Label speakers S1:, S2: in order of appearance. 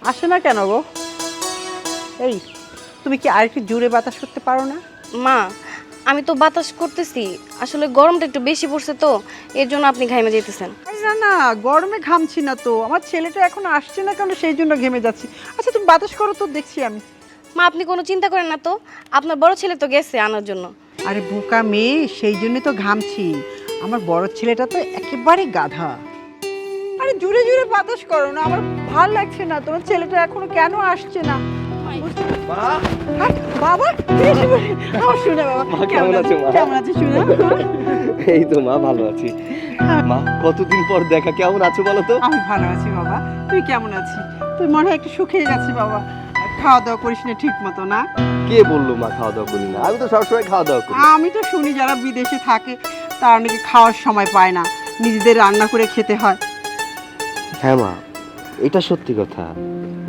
S1: আসে না কেন গো? এই, তুমি কি আর একটু জোরে বাতাস করতে পারো না?
S2: মা, আমি তো বাতাস করতেছি, আসলে গরমটা একটু বেশি পড়ছে তো, এর জন্য আপনি ঘামে যেতেছেন।
S1: আরে না না, গরমে ঘামছি না তো, আমার ছেলেটা এখন আসছে না কেন সেই জন্য ঘেমে যাচ্ছি। আচ্ছা তুমি বাতাস করো তো, দেখছি আমি।
S2: মা, আপনি কোনো চিন্তা করেন না তো, আপনার বড় ছেলে তো গেছে আনার জন্য।
S1: আরে বোকা মেয়ে, সেই জন্যই তো ঘামছি। আমার বড় ছেলেটা তো একেবারে গাধা। আরে জোরে জোরে বাতাস করো না, আমার ভাল লাগছে না। তোমার ছেলেটা এখনো কেন আসছে না? আরে, বাবা এসে পড়ে। আমার শোনা বাবা,
S3: মা, কেমন আছো মা?
S1: কেমন আছিস শোনা?
S3: এই তো মা, ভালো আছি। মা, কতদিন পর দেখা, কেমন আছো বলো তো?
S1: আমি ভালো আছি বাবা, তুই কেমন আছিস? তুই মনে হয় একটু শুকিয়ে গেছিস বাবা, খাওয়া দাওয়া করিস না ঠিক মতো না?
S3: কে বললো মা খাওয়া দাওয়া করি না? আমি তো সবসময় খাওয়া দাওয়া করি।
S1: আমি তো শুনি যারা বিদেশে থাকে তারা নাকি খাওয়ার সময় পায় না, নিজেদের রান্না করে খেতে হয়।
S3: হ্যাঁ মা, এটা সত্যি কথা।